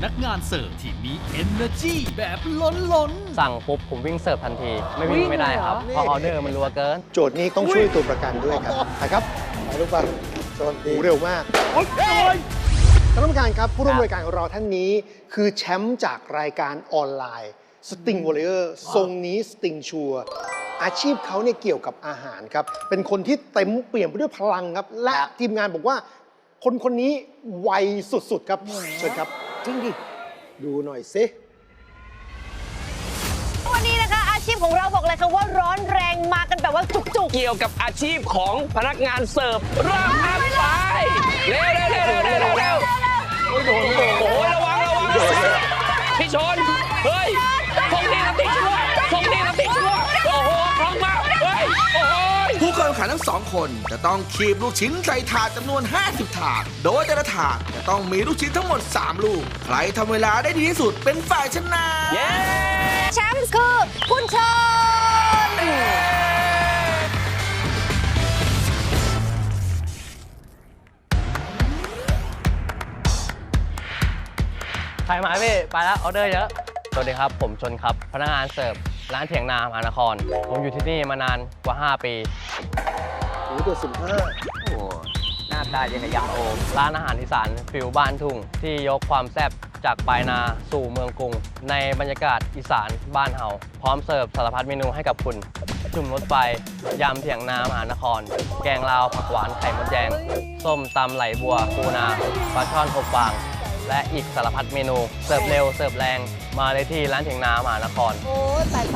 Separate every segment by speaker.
Speaker 1: นักงานเสิร์ฟที่มี energy แบบล้น
Speaker 2: สั่งปุ๊บผมวิ่งเสิร์ฟทันที ไม่วิ่งไม่ได้ครับเพราะออเดอร์มันรัวเกิน
Speaker 3: โจทย์นี้ต้องช่วยตัวประกันด้วยครับนะครับไปลูกบอลโจทย์ดีเร็วมากท่านผู้การครับผู้ร่วมรายการของเราท่านนี้คือแชมป์จากรายการออนไลน์ Sting Warrior ทรงนี้ Sting ชัวอาชีพเขาเนี่ยเกี่ยวกับอาหารครับ เป็นคนที่เต็มเปี่ยมไปด้วยพลังครับ และทีมงานบอกว่าคนนี้ไวสุดๆครับเชิญครับจริงดิดูหน่อยสิ
Speaker 4: วันนี้นะคะอาชีพของเราบอกเลยค่ะว่าร้อนแรงมากันแบบว่าจุก
Speaker 5: เกี่ยวกับอาชีพของพนักงานเสิร์ฟราบอัพไปเร็วโอ้โหระวังพี่ชนเฮ้ยทงนี้น้ำติช่วยโอ้โหคล่องมากเฮ้ยโอ้โห
Speaker 6: ผู้เข้าแข่งขันทั้งสองคนจะต้องคีบลูกชิ้นใส่ถาดจำนวน 50 ถาด โดยแต่ละถาดจะต้องมีลูกชิ้นทั้งหมด 3 ลูก ใครทำเวลาได้ดีที่สุดเป็นฝ่ายชนะ
Speaker 4: ๆแชมป์คือคุณชน
Speaker 2: ใครมาพี่ไปแล้วออเดอร์เยอะสวัสดีครับผมชนครับพนักงานเสิร์ฟร้านเถียงนามหานครผมอยู่ที่นี่มานานกว่า 5 ปี
Speaker 3: โอ้โหตัว15
Speaker 5: หน้าตายังกับยำโอม
Speaker 2: ร้านอาหารอีสานฟิวบ้านทุ่งที่ยกความแซ่บจากปลายนาสู่เมืองกรุง ในบรรยากาศอีสานบ้านเฮาพร้อมเสิร์ฟสารพัดเมนูให้กับคุณ จุ่มรถไฟยำเถียงนามหานคร แกงลาวผักหวานไข่มดแดง ส้มตำไหลบัวปูนาปลาช่อนอบฟาง และอีกสารพัดเมนู เสิร์ฟเร็วเสิร์ฟแรงมาเลยที่ร้านเถียงนามหานคร
Speaker 4: โอ้ยไป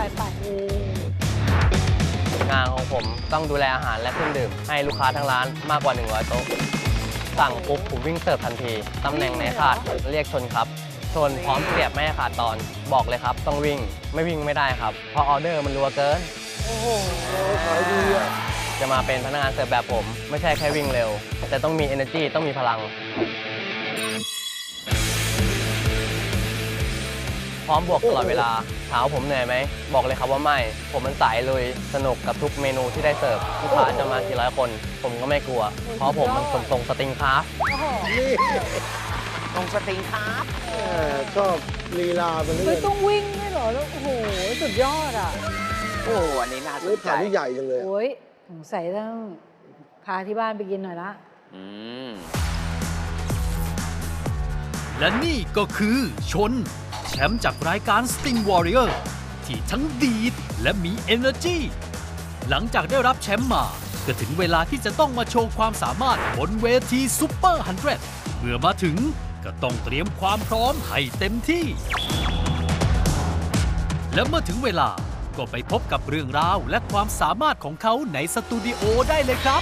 Speaker 2: งานของผมต้องดูแลอาหารและเครื่องดื่ม ให้ลูกค้าทั้งร้านมากกว่า 100 โต๊ะ สั่งปุ๊บผมวิ่งเสิร์ฟทันที ตำแหน่งไหนขาดเรียกชนครับ ชนพร้อมเสียบไม่ให้ขาดตอน บอกเลยครับต้องวิ่งไม่วิ่งไม่ได้ครับ เพราะออเดอร์มันรัวเกิน
Speaker 3: ขายดีอ่ะ
Speaker 2: จะมาเป็นพนักงานเสิร์ฟแบบผม ไม่ใช่แค่วิ่งเร็ว แต่ต้องมี energy ต้องมีพลัง พร้อมบวกตลอดเวลาถามว่าผมเหนื่อยไหม บอกเลยครับว่าไม่ ผมมันสายลุยสนุกกับทุกเมนูที่ได้เสิร์ฟลูกค้าจะมากี่ร้อยคน ผมก็ไม่กลัว เพราะผมมันขนส่งสติงคราฟต์
Speaker 3: นี่
Speaker 5: ตรงสติงครับ
Speaker 3: ชอบลีลามันเล
Speaker 4: เฮ้ย ต้องวิ่งด้วยเหรอแล้วโอ้โห สุดยอดอ่ะ
Speaker 5: โอ้อันนี้น่าส
Speaker 3: เลือน
Speaker 5: ใจ
Speaker 3: ผ่านที่ใหญ่จังเลย
Speaker 4: โอ้ยสงสัยต้องพาที่บ้านไปกินหน่อยละ
Speaker 5: อืม
Speaker 1: และนี่ก็คือชน แชมป์จากรายการ Sting Warrior ที่ทั้งดีดและมี energy หลังจากได้รับแชมป์มาก็ถึงเวลาที่จะต้องมาโชว์ความสามารถบนเวทีซุปเปอร์100เมื่อมาถึงก็ต้องเตรียมความพร้อมให้เต็มที่ และเมื่อถึงเวลาก็ไปพบกับเรื่องราวและความสามารถของเขาในสตูดิโอได้เลยครับ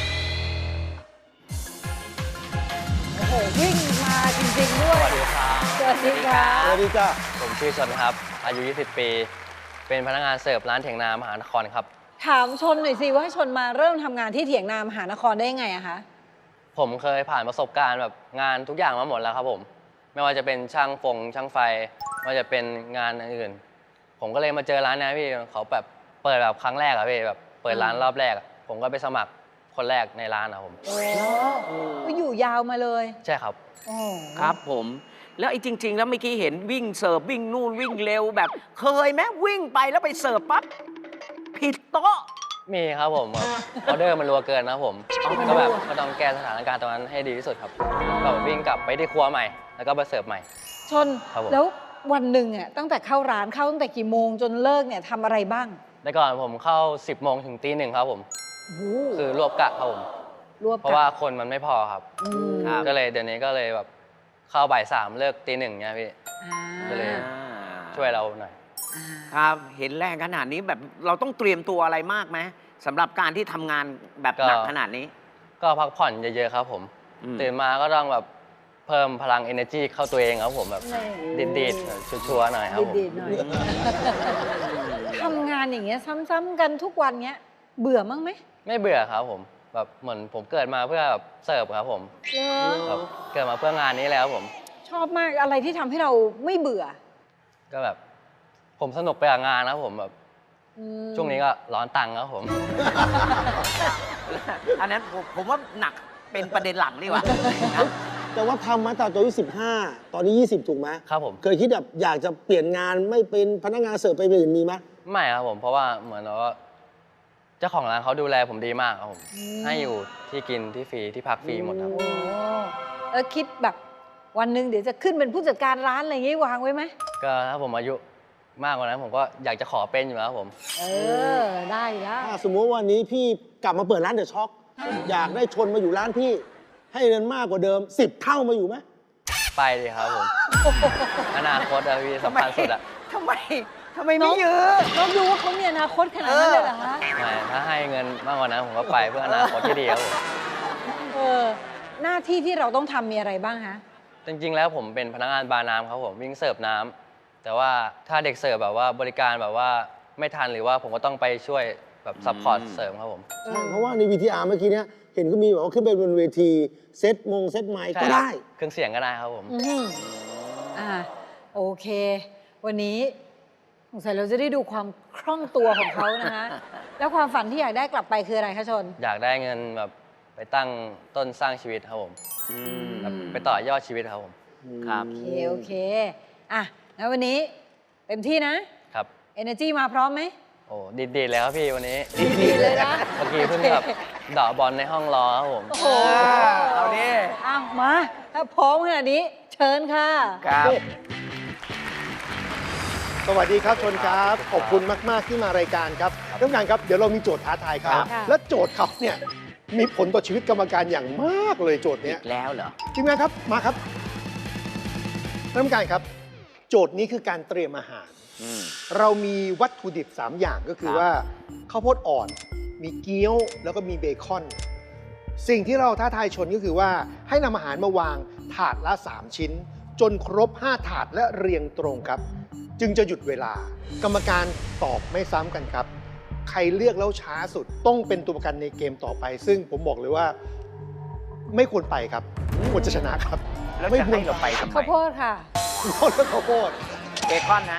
Speaker 4: โอ้โห วิ่งมาจริง ๆ ด้ว
Speaker 2: ส
Speaker 4: ย
Speaker 2: วัสดีครับ
Speaker 4: สวัสดีค่ะ
Speaker 3: สวัสดีจ้า
Speaker 2: ผมชื่อชนครับ อายุ 20 ปี เป็นพนักงานเสิร์ฟร้านเถียงนามหานครครับ
Speaker 4: ถามชนหน่อยสิว่าชนมาเริ่มทำงานที่เถียงนามหานครได้ยังไงอะคะ
Speaker 2: ผมเคยผ่านประสบการณ์แบบงานทุกอย่างมาหมดแล้วครับผม ไม่ว่าจะเป็นช่างช่างไฟไม่ว่าจะเป็นงานอื่น ผมก็เลยมาเจอร้านนี้พี่เขาแบบเปิดแบบครั้งแรกอะพี่แบบเปิดร้านรอบแรกอะผมก็ไปสมัครคนแรกในร้านอะผม
Speaker 4: โอ้ก็อยู่ยาวมาเลย
Speaker 2: ใช่ครับ
Speaker 4: โอ้
Speaker 5: ครับผม แล้วไอ้จริง ๆ แล้วเมื่อกี้เห็นวิ่งเสิร์ฟวิ่งนู่นวิ่งเร็วแบบ เคยไหมวิ่งไปแล้วไปเสิร์ฟปั๊บผิดโต๊ะ
Speaker 2: มีครับผมออเดอร์มันรัวเกินนะครับผมก็แบบก็ต้องแก้สถานการณ์ตรงนั้นให้ดีที่สุดครับก็วิ่งกลับไปที่ครัวใหม่ แล้วก็ไปเสิร์ฟใหม่
Speaker 4: ชน
Speaker 2: ครับผม
Speaker 4: แล้ววันหนึ่งอะตั้งแต่เข้าร้านเข้าตั้งแต่กี่โมงจนเลิกเนี่ยทำอะไรบ้าง
Speaker 2: แต่ก่อนผมเข้า 10 โมงถึงตี 1ครับผม
Speaker 4: โอ้โห
Speaker 2: คือรวบกะครับผม
Speaker 4: รวบ
Speaker 2: เพราะว่าคนมันไม่พอครับ
Speaker 4: อืม
Speaker 5: ครับ
Speaker 2: ก็เลยเดี๋ยวนี้ก็เลยแบบเข้าบ่าย 3เลิกตี 1เนี่ยพี่
Speaker 4: อ่า
Speaker 2: ก็เลย ช่วยเราหน่อย
Speaker 4: อ่า
Speaker 5: ครับ เห็นแรงขนาดนี้แบบเราต้องเตรียมตัวอะไรมากไหมสำหรับการที่ทำงานแบบหนักขนาดนี้
Speaker 2: ก็พักผ่อนเยอะๆครับผม
Speaker 5: อืม
Speaker 2: ตื่นมาก็ต้องแบบเพิ่มพลัง energy เข้าตัวเองครับผมแบบ
Speaker 4: นี่
Speaker 2: ดีดๆชัวร์ๆหน่อยครับผม
Speaker 4: ดีๆหน่อยทำงานอย่างเงี้ยซ้ำๆกันทุกวันเงี้ย เบื่อมั้งไหม
Speaker 2: ไม่เบื่อครับผมแบบเหมือนผมเกิดมาเพื่อแบบเสิร์ฟครับผม
Speaker 4: เหรอ
Speaker 2: แบบเกิดมาเพื่องานนี้แล้วครับผม
Speaker 4: ชอบมากอะไรที่ทำให้เราไม่เบื่อ
Speaker 2: ก็แบบผมสนุกไปกับงานนะครับผมแบบ
Speaker 4: อืม
Speaker 2: ช่วงนี้ก็ร้อนตังค์ครับผม
Speaker 5: อันนั้นผมว่าหนักเป็นประเด็นหลักดีกว่านะ
Speaker 7: แต่ว่าทำมาตั้งแต่อายุ15 ตอนนี้ 20 ถูกไหม
Speaker 2: ครับผม
Speaker 7: เคยคิดแบบอยากจะเปลี่ยนงานไม่เป็นพนักงานเสิร์ฟไปเป็นอื่นมีไหม
Speaker 2: ไม่ครับผม เพราะว่าเหมือนว่าเจ้าของร้านเขาดูแลผมดีมากครับผม ให้อยู่ที่กินที่ฟรีที่พักฟรีหมดครับ
Speaker 4: โอ้แล้วคิดแบบวันหนึ่งเดี๋ยวจะขึ้นเป็นผู้จัดการร้านอะไรอย่างงี้วางไว้ไหม
Speaker 2: ก็ถ้าผมอายุมากกว่านั้นผมก็อยากจะขอเป็นอยู่แล้วครับผม
Speaker 4: เออ ได้แล้ว
Speaker 7: ถ้าสมมติว่าวันนี้พี่กลับมาเปิดร้านเดอะช็อคอยากได้ชนมาอยู่ร้านพี่ ให้เงินมากกว่าเดิม 10 เท่ามาอยู่ไหม
Speaker 2: ไปดีครับผม อนาคตอะพี่สำคัญสุดอะ
Speaker 8: ทำไมไม่ยื้อ
Speaker 4: น้องดูว่าเขามีอนาคตขนาดนั้นเลยเหรอคะ
Speaker 2: ไม่ถ้าให้เงินมากกว่านั้นผมก็ไปเพื่ออนาคตที่ดีครับผม
Speaker 4: เออ หน้าที่ที่เราต้องทำมีอะไรบ้างฮะ
Speaker 2: จริงๆแล้วผมเป็นพนักงานบาร์น้ำครับผมวิ่งเสิร์ฟน้ำแต่ว่าถ้าเด็กเสิร์ฟแบบว่าบริการแบบว่าไม่ทันหรือว่าผมก็ต้องไปช่วยแบบซัพพอร์ตเสริมครับผม
Speaker 7: ใช่เพราะว่าใน VTR เมื่อกี้เนี้ยเห็นก็มีแบบว่าขึ้นไปบนเวทีเซตไมค์ก็ได้
Speaker 2: เครื่องเสียงก็ได้ครับผม
Speaker 4: อืมโอเค วันนี้สงสัยเราจะได้ดูความคล่องตัวของเขานะคะ แล้วความฝันที่อยากได้กลับไปคืออะไรคะชน
Speaker 2: อยากได้เงินแบบไปตั้งต้นสร้างชีวิตครับผมแบบไปต่อยอดชีวิตครับผม
Speaker 8: ครับ
Speaker 4: โอเคอ่ะงั้นวันนี้เต็มที่นะ
Speaker 2: ครับ
Speaker 4: Energy มาพร้อมไหม
Speaker 2: โอ้ดีๆแล้วครับพี่วันนี้
Speaker 4: ดีเลยนะ
Speaker 2: เมื่อกี้เพิ่งแบบเดาะบอลในห้องรอครับผม
Speaker 4: โอ้โห
Speaker 8: เอาดิ
Speaker 4: อ้าวมา ถ้าพร้อมขนาดนี้ เชิญค่ะ
Speaker 8: ครับ
Speaker 3: สวัสดีครับชนครับ ขอบคุณมาก ๆ ที่มารายการครับท่านผู้การครับ เดี๋ยวเรามีโจทย์ท้าทายครับ
Speaker 4: ค่ะ
Speaker 3: และโจทย์เขาเนี่ยมีผลต่อชีวิตกรรมการอย่างมากเลยโจทย์เนี้ย
Speaker 8: แล้วเหรอ
Speaker 3: ทีมงานครับ มาครับท่านผู้การครับ โจทย์นี้คือการเตรียมอาหาร เรามีวัตถุดิบ 3 อย่างก็คือ
Speaker 8: ครับ
Speaker 3: ว่าข้าวโพดอ่อน มีเกี๊ยว แล้วก็มีเบคอน สิ่งที่เราท้าทายชนก็คือว่าให้นำอาหารมาวางถาดละ 3 ชิ้น จนครบ 5 ถาดและเรียงตรงครับ จึงจะหยุดเวลา กรรมการตอบไม่ซ้ำกันครับ ใครเลือกแล้วช้าสุดต้องเป็นตัวประกันในเกมต่อไป ซึ่งผมบอกเลยว่า ไม่ควรไปครับควรจะชนะครับ
Speaker 8: แล้ว
Speaker 3: ไม่
Speaker 8: จะ
Speaker 3: ควร
Speaker 8: ให้เราไปทำไม
Speaker 4: ข้าวโพดค่ะ
Speaker 3: ข้าวโพดข้าวโพด
Speaker 8: เบคอนนะ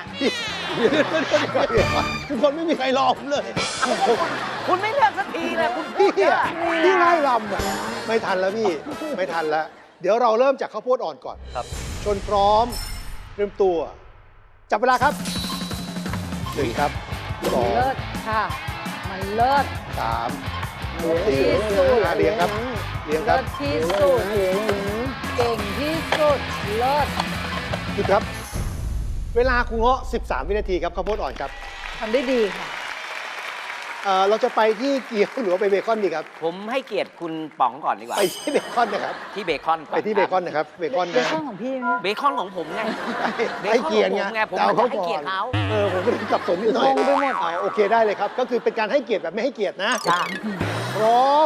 Speaker 7: ทุกคนไม่มีใครรอผมเลย
Speaker 8: คุณไม่เลือกสักทีเลยคุณพู
Speaker 3: พี่
Speaker 8: ดเยอะ
Speaker 3: พี่ไล่ลำอ่ะไม่ทันแล้วพี่ ไม่ทันแล้ว เดี๋ยวเราเริ่มจากข้าวโพดอ่อนก่อน
Speaker 2: ครับ
Speaker 3: ชนพร้อมเตรียมตัว จับเวลาครับหนึ่งครับสอง
Speaker 4: เลิศค่ะ มันเลิศ
Speaker 3: สาม
Speaker 4: เลิศ
Speaker 3: สี่
Speaker 4: ที่สุด
Speaker 3: ห้าเรียงครับเรียงค
Speaker 4: เลิ
Speaker 3: รับ
Speaker 4: ศที่สุด เก่งที่สุด เลิศ
Speaker 3: หยุดครับ เวลาครูเงาะ13 วินาทีครับข้าวโพดอ่อนครับ
Speaker 4: ทำได้ดีค่ะ
Speaker 3: เราจะไปที่เกี๊ยวหรือว่าไปเบคอนดีครับ
Speaker 8: ผมให้เกียรติคุณป๋องก่อนดีกว่า
Speaker 3: ไปที่เบคอนนะครับ
Speaker 8: ที่เบคอนก่อน
Speaker 3: ไปที่เบคอนนะครับ เบคอน
Speaker 4: เบ
Speaker 3: นะ
Speaker 4: คอนของพี่ไหม
Speaker 8: เบคอนของผมไง
Speaker 3: ให้เกียรติไง
Speaker 8: ผม
Speaker 3: แต่เอา
Speaker 8: ให้
Speaker 3: เขาก่อ
Speaker 8: เกียร
Speaker 3: น
Speaker 8: ติเขา
Speaker 3: ผมก็เลยสับสนนิดหน่อย
Speaker 4: งงไปหมด
Speaker 3: โอเคได้เลยครับ ก็คือเป็นการให้เกียรติแบบไม่ให้เกียรตินะ
Speaker 8: จ้า
Speaker 3: พร้อม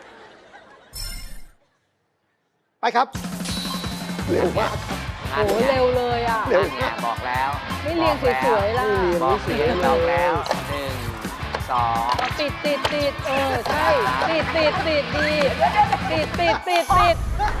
Speaker 3: ไปครับ เร็วมากครับ
Speaker 4: โอ้โหเร็วเลยอ่ะ
Speaker 3: เร็ว
Speaker 8: นั่นไงบอกแล้ว
Speaker 4: ไม่เรียงสวยๆล่ะ
Speaker 8: บอกแล้ว1 2
Speaker 4: ติดใช่ติดดีติด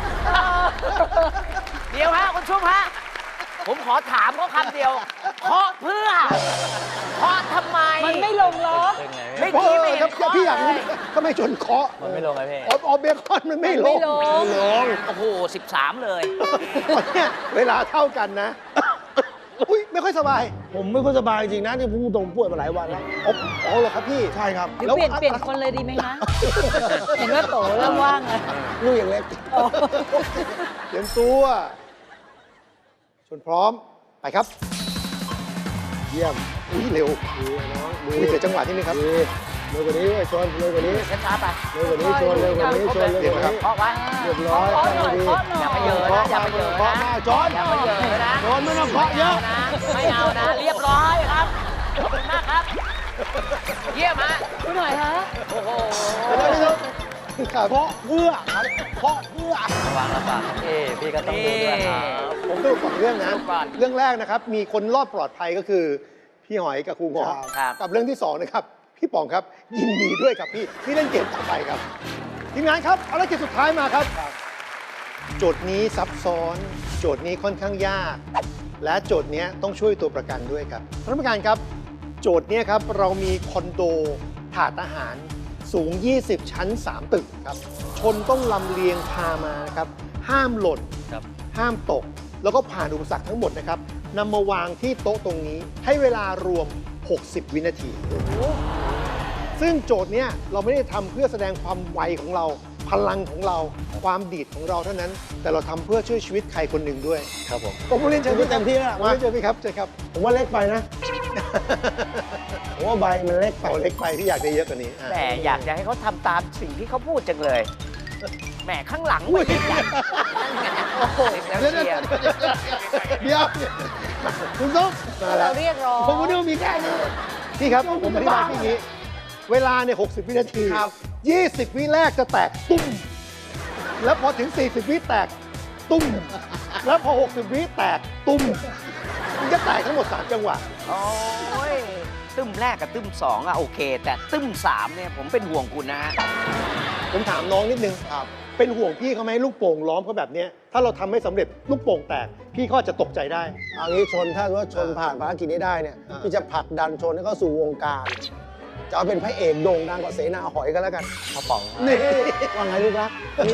Speaker 8: เดี๋ยวฮะคุณชุ่มฮะ ผมขอถามเขาคำเดียวเคาะเพื่อเคาะทำไม
Speaker 4: มันไม่ลงล็อก
Speaker 2: เป็นไง
Speaker 8: ไม่
Speaker 2: พี่
Speaker 8: ดีไม่เห็น
Speaker 3: ครับ
Speaker 8: เคาะ
Speaker 3: พี่อยากรู้
Speaker 8: เลย
Speaker 3: ทำไมชนเคาะ
Speaker 2: มันไม่ลงไงพี่
Speaker 3: ออเบคอนมันไม่ลง
Speaker 4: มันไม่ลง
Speaker 8: โอ้โห 13 เลย
Speaker 3: เนี่ยเวลาเท่ากันนะ อุ้ยไม่ค่อยสบาย
Speaker 7: ผมไม่ค่อยสบายจริงๆนะที่พูดตรงป่วยมาหลายวันแล้ว
Speaker 3: อ๋อเหรอครับพี่
Speaker 7: ใช่ครับ
Speaker 4: เดี๋ยวเปลี่ยนคนเลยดีไหมคะ เห็นว่าโตเริ่มว่างแล้ว
Speaker 7: ลูกอย่างเล็ก
Speaker 3: เตรียมตัวชนพร้อม ไปครับ เยี่ยม อุ้ยเร็ว
Speaker 7: ดีน้องดี
Speaker 3: อุ้ยเสียจังหวะนิดนึงครับ
Speaker 7: ดีเร็วกว่านี้ด้วยชนเร็วกว่านี้
Speaker 8: ช้าๆไป
Speaker 7: เร็วกว่านี้ชนเร็วกว่านี้ชนเร็วกว่านี้
Speaker 8: เคาะไว้
Speaker 7: เรียบร้อย
Speaker 4: เคาะหน่อย
Speaker 7: ดี
Speaker 4: เคาะหน่อย
Speaker 8: อย่าไปเยอะนะอย่าไปเยอะ
Speaker 3: เคาะ
Speaker 8: นะ
Speaker 3: มากจอน
Speaker 8: อย่าไปเยอะนะ
Speaker 7: ชนไม่ต้องเคาะเยอะ
Speaker 8: ไม่เอานะ เรียบร้อยครับ ขอบคุณมากครับ เยี่ยมฮะ
Speaker 4: ดูหน่อยฮะ
Speaker 8: โอ้โห
Speaker 3: ครับ
Speaker 7: เคาะเพื่อครับเคาะเพื่อ
Speaker 2: ระวังลำบากครับพี่ก็ต้องดูด้วยครับ
Speaker 3: ผมต้องสองเรื่องนะ
Speaker 8: ดูก่อน
Speaker 3: เรื่องแรกนะครับ มีคนรอดปลอดภัยก็คือ พี่หอยกับครูเงาะ
Speaker 8: ครับ
Speaker 3: กับเรื่องที่สองนะครับ พี่ป๋องครับ ยินดีด้วยครับพี่เล่นเกมต่อไปครับ ทีมงานครับภารกิจสุดท้ายมาครับ โจทย์นี้ซับซ้อน โจทย์นี้ค่อนข้างยาก และโจทย์นี้ต้องช่วยตัวประกันด้วยครับท่านผู้การครับ โจทย์นี้ครับเรามีคอนโดถาดอาหารสูง 20 ชั้น 3 ตึกครับ ชนต้องลำเลียงพามานะครับห้ามหล่น
Speaker 2: ครับ
Speaker 3: ห้ามตก แล้วก็ผ่านอุปสรรคทั้งหมดนะครับนำมาวางที่โต๊ะตรงนี้ให้เวลารวม 60 วินาที ซึ่งโจทย์เนี้ยเราไม่ได้ทำเพื่อแสดงความไวของเรา พลังของเรา ความดีดของเราเท่านั้น แต่เราทำเพื่อช่วยชีวิตใครคนหนึ่งด้วย
Speaker 2: ครับผม
Speaker 3: ผมเรียนเชิญพี่
Speaker 7: เต็มที่แล้ว
Speaker 3: มาเชิญพี่ครับเชิญครับ
Speaker 7: ผมว่าเล็กไปนะ ผมว่าใบมันเล็กไป
Speaker 3: เอาเล็กไปพี่อยากได้เยอะกว่านี้อ่ะ
Speaker 8: แต่อยากจะให้เขาทำตามสิ่งที่เขาพูดจังเลยแหมข้างหลังไม่ได้ยันโอ้โหแล้ว
Speaker 3: เดี๋ยว
Speaker 8: เชียร์
Speaker 3: เดี๋ยวคุณส้มมาแล้ว
Speaker 4: เราเรียกร้อง
Speaker 3: ผมก็นึกว่ามีแค่นี้พี่ครับผมอธิบายพี่อย่างนี้ เวลาเนี่ย60 วินาที
Speaker 7: ครับ
Speaker 3: 20 วิแรกจะแตกตุ้ม แล้วพอถึง 40 วิแตกตุ้ม แล้วพอ 60 วิแตกตุ้ม มันจะแตกทั้งหมด 3 จังหวะ
Speaker 8: โอ้ยตึ้มแรกกับตึ้มสองอะโอเค แต่ตึ้มสามเนี่ยผมเป็นห่วงคุณนะฮะ
Speaker 3: ผมถามน้องนิดนึงเป็นห่วงพี่เขาไหมลูกโป่งล้อมเขาแบบเนี้ยถ้าเราทำไม่สำเร็จลูกโป่งแตก พี่เขาอาจจะตกใจได้
Speaker 7: เอางี้ชนถ้าว่าชนผ่านภารกิจนี้ได้เนี่ย
Speaker 3: อ่า
Speaker 7: พี่จะผลักดันชนให้เข้าสู่วงการ จะเอาเป็นพระเอกโด่งดังกว่าเสนาหอยก็แล้วกัน
Speaker 2: กระป๋อง
Speaker 7: นี่ว่าไงลูกรัก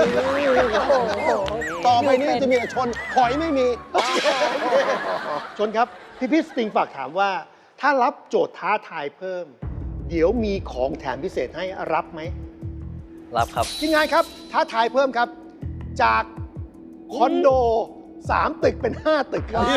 Speaker 7: ต่อไปนี้จะมีแต่ชนหอยไม่มี
Speaker 3: ชนครับ พี่สติงฝากถามว่า ถ้ารับโจทย์ท้าทายเพิ่ม เดี๋ยวมีของแถมพิเศษให้รับไหม
Speaker 2: รับครับ
Speaker 3: ทีมงานครับ ท้าทายเพิ่มครับ จากคอนโด 3 ตึกเป็น 5 ตึกครับ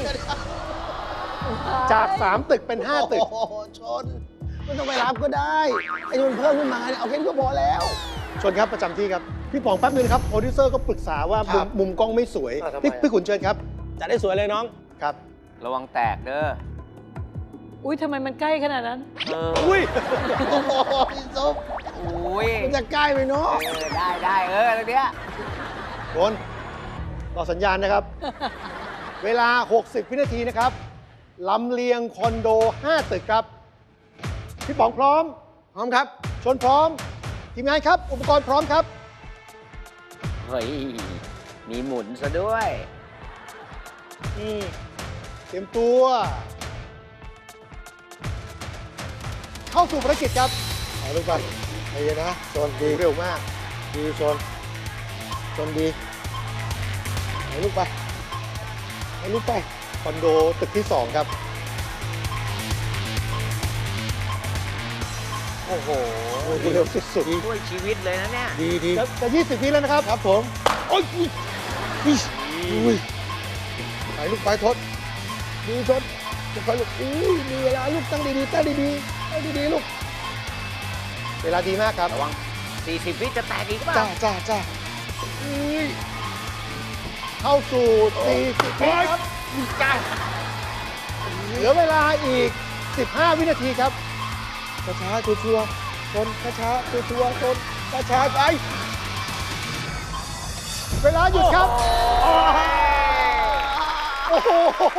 Speaker 3: จาก 3 ตึกเป็น 5 ตึก
Speaker 7: โอ้โหชนไม่ต้องไปรับก็ได้ ไอ้นี่มันเพิ่มขึ้นมาเนี่ยเอาแค่นี้ก็พอแล้ว
Speaker 3: ชนครับประจำที่ครับ พี่ป๋องแป๊บนึงนะครับ โปรดิวเซอร์ก็ปรึกษาว่า
Speaker 7: ครับ
Speaker 3: มุมกล้องไม่สวย
Speaker 7: ทำไม
Speaker 3: พี่ขุนเชิญครับ
Speaker 7: จะได้สวยเลยน้อง
Speaker 3: ครับ
Speaker 8: ระวังแตกเด้อ
Speaker 4: อุ้ยทำไมมันใกล้ขนาดนั้น
Speaker 8: เออ
Speaker 3: อุ้ย
Speaker 7: โอ้โหพี่ส้ม
Speaker 8: อุ้ย
Speaker 7: มันจะใกล้ไปเนาะ
Speaker 8: ได้ตรงเนี้ย
Speaker 3: ชนต่อสัญญาณนะครับ เวลา 60 วินาทีนะครับลำเลียงคอนโด 5 ตึกครับ พี่ป๋องพร้อม
Speaker 7: พร้อมครับ
Speaker 3: ชนพร้อม ทีมงานครับ อุปกรณ์พร้อมครับ
Speaker 8: เฮ้ย มีหมุนซะด้วย
Speaker 3: นี่เตรียมตัว เข้าสู่ภารกิจครับเอาลูกไปใจเย็นนะชนดีเร็วมาก ดีชนดีให้ลูกไปให้ลูกไปคอนโดตึกที่ 2 ครับ
Speaker 8: โอ้โห
Speaker 3: โอ้ดีเร็วสุด
Speaker 8: ช่วยชีวิตเลยนะเนี่ย
Speaker 3: ๆดีจะ20 วิแล้วนะครับ ครับผม โอ้ยอุ้ยไปลูกไปทดดีชนจะไปลูกอุ้ยมีเวลาลูกตั้งดีๆตั้งดีๆลูก เวลาดีมากครับ
Speaker 8: ระวัง 40 วิจะแตกอีกเปล่า
Speaker 3: จ้าอุ้ยเข้าสู่40 วิครับจ้าเหลือเวลาอีก 15 วินาทีครับช้าๆชัวร์ๆชนช้าๆชัวร์ๆชนช้าๆไปเวลาหยุดครับโอ้โห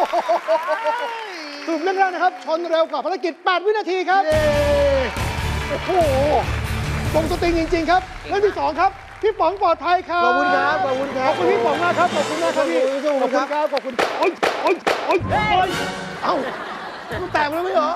Speaker 3: สรุปเรื่องแรกนะครับ ชนเร็วกว่าภารกิจ 8 วินาทีครับโอ้โหตรงสติงจริง ๆ ครับเรื่องที่ 2 ครับ พี่ป๋องปลอดภัยครับ
Speaker 7: ขอบคุณครับ ขอบคุณครับ
Speaker 3: ขอบคุณพี่ป๋องมากครับ ขอบคุณมากครับพี่
Speaker 7: ขอบคุณครับ
Speaker 3: ขอบคุณโอ๊ยเอ้ามันแตกแล้วไม่เหรอ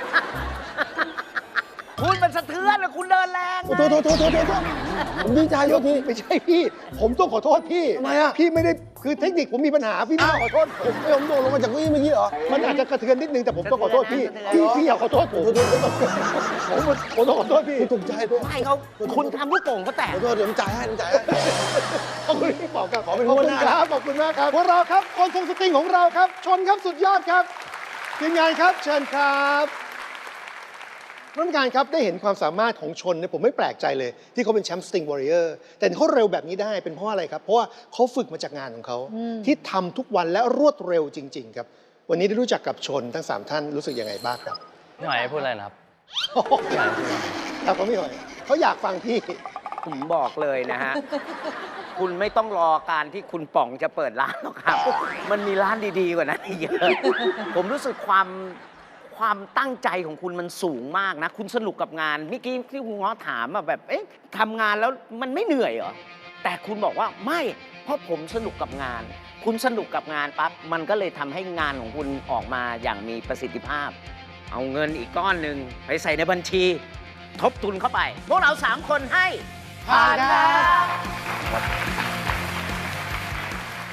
Speaker 8: คุณมันสะเทือนนะคุณเดินแรง
Speaker 7: โอ้โทษผมดีใจโทษที
Speaker 3: ไม่ใช่พี่ ผมต้องขอโทษพี่
Speaker 7: ทำไมอะ
Speaker 3: พี่ไม่ได้ คือเทคนิคผมมีปัญหา พี่ไม่ต้องขอโทษผม
Speaker 7: ผมโดดลงมาจากเก้าอี้เมื่อกี้เหรอ
Speaker 3: มันอาจจะกระเทือนนิดนึงแต่ผมต้องขอโทษพี่ พี่อย่าขอโทษผมผมต้องขอโทษพี่
Speaker 7: ถูกใจด้วย
Speaker 8: ไม่เขาคุณทำลูกโป่งก็แตก
Speaker 7: ขอโทษเดี๋ยวผมจ่ายให้
Speaker 3: ขอบคุณพี่ป๋องครับ
Speaker 7: ขอเป็น
Speaker 3: ขอบ
Speaker 7: หัว
Speaker 3: คุณ
Speaker 7: หน้า
Speaker 3: ครับ ขอบคุณมากครับ พวกเราครับ คนทรงสตริงของเราครับ ชนครับสุดยอดครับ ทีมงานครับ เชิญครับท่านผู้การครับได้เห็นความสามารถของชนเนี่ยผมไม่แปลกใจเลย ที่เขาเป็นแชมป์สติงวอริเออร์แต่เขาเร็วแบบนี้ได้เป็นเพราะอะไรครับ เพราะว่าเขาฝึกมาจากงานของเขา ที่ทำทุกวันและรวดเร็วจริง ๆ ครับ วันนี้ได้รู้จักกับชนทั้ง 3 ท่านรู้สึกยังไงบ้างครับ
Speaker 2: พี่หอยพูดอะไรนะครับ
Speaker 3: ครับเขาไม่หอยเขาอยากฟังพี่
Speaker 8: ผมบอกเลยนะฮะ คุณไม่ต้องรอการที่คุณป๋องจะเปิดร้านหรอกครับ มันมีร้านดีๆกว่านั้นอีกเยอะ ผมรู้สึกความตั้งใจของคุณมันสูงมากนะ คุณสนุกกับงานเมื่อกี้ที่คุณง้อถามแบบเอ๊ะทำงานแล้วมันไม่เหนื่อยเหรอ แต่คุณบอกว่าไม่เพราะผมสนุกกับงาน คุณสนุกกับงานปั๊บมันก็เลยทำให้งานของคุณออกมาอย่างมีประสิทธิภาพ เอาเงินอีกก้อนหนึ่งไปใส่ในบัญชี ทบทุนเข้าไป พวกเรา3 คนให้ผ่านครับ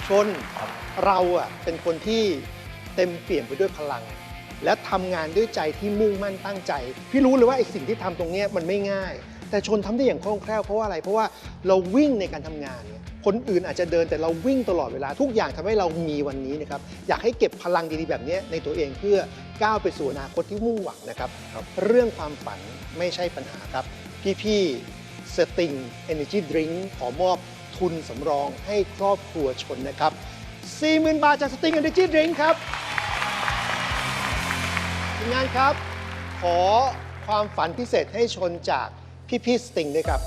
Speaker 3: ชนเราเป็นคนที่เต็มเปี่ยมไปด้วยพลัง และทำงานด้วยใจที่มุ่งมั่นตั้งใจ พี่รู้เลยว่าไอ้สิ่งที่ทำตรงนี้มันไม่ง่าย แต่ชนทำได้อย่างคล่องแคล่วเพราะว่าอะไรเพราะว่าเราวิ่งในการทำงานเนี่ยคนอื่นอาจจะเดินแต่เราวิ่งตลอดเวลาทุกอย่างทำให้เรามีวันนี้นะครับอยากให้เก็บพลังดีๆแบบนี้ในตัวเองเพื่อก้าวไปสู่อนาคตที่มุ่งหวังนะครับเรื่องความฝันไม่ใช่ปัญหาครับพี่ๆ Sting Energy Drink ขอมอบทุนสำรองให้ครอบครัวชนนะครับ 40,000 บาทจาก Sting Energy Drink ครับทีมงานครับ ขอความฝันพิเศษให้ชนจากพี่ๆ Sting ด้วยครับ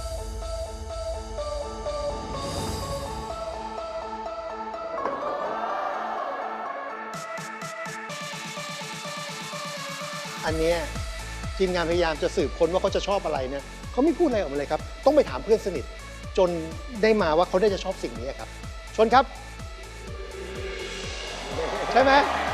Speaker 3: อันเนี้ยทีมงานพยายามจะสืบค้นว่าเขาจะชอบอะไรเนี่ยเขาไม่พูดอะไรออกมาเลยครับ ต้องไปถามเพื่อนสนิท จนได้มาว่าเขาได้จะชอบสิ่งนี้ครับ ชนครับ ใช่ไหม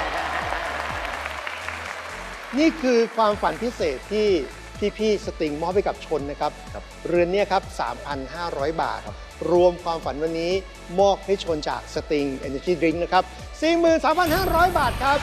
Speaker 3: นี่คือความฝันพิเศษที่พี่ๆสติงมอบให้กับชนนะครับ เรือนเนี้ครับ 3,500 บาท รวมความฝันวันนี้มอบให้ชนจากสติง Energy Drink นะครับ 43,500 บาทครับ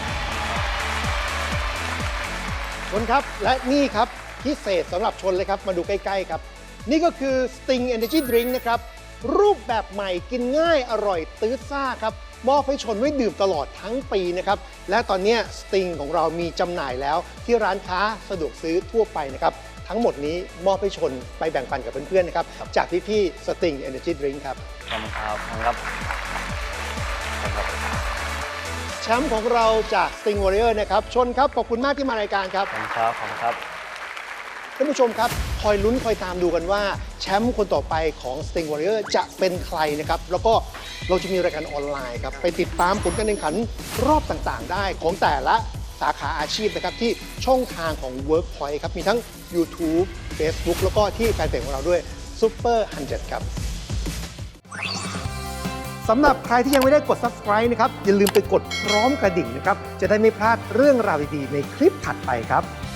Speaker 3: ชนครับ และนี่ครับพิเศษสำหรับชนเลยครับ มาดูใกล้ๆครับ นี่ก็คือ Sting Energy Drink นะครับ รูปแบบใหม่กินง่ายอร่อยตื้อซ่าครับ มอบให้ชนไว้ดื่มตลอดทั้งปีนะครับ และตอนนี้ Sting ของเรามีจำหน่ายแล้วที่ร้านค้าสะดวกซื้อทั่วไปนะครับ ทั้งหมดนี้มอบให้ชนไปแบ่งปันกับเพื่อนๆนะครับ จากพี่ๆ Sting Energy Drink ครับ
Speaker 2: ขอบคุณครับขอบคุณครับ
Speaker 3: แชมป์ของเราจาก Sting Warrior นะครับ ชนครับ ขอบคุณมากที่มารายการครับ
Speaker 2: ขอบคุณครับขอบคุณครับ
Speaker 3: ท่านผู้ชมครับคอยลุ้นคอยตามดูกันว่าแชมป์คนต่อไปของ Sting Warrior จะเป็นใครนะครับ แล้วก็เราจะมีรายการออนไลน์ครับ ไปติดตามผลการแข่งขันรอบต่างๆ ได้ของแต่ละสาขาอาชีพนะครับ ที่ช่องทางของ Workpoint ครับ มีทั้ง YouTube Facebook แล้วก็ที่แฟนเพจของเราด้วย Super 100 ครับสำหรับใครที่ยังไม่ได้กด Subscribe นะครับอย่าลืมไปกดพร้อมกระดิ่งนะครับจะได้ไม่พลาดเรื่องราวดีๆในคลิปถัดไปครับ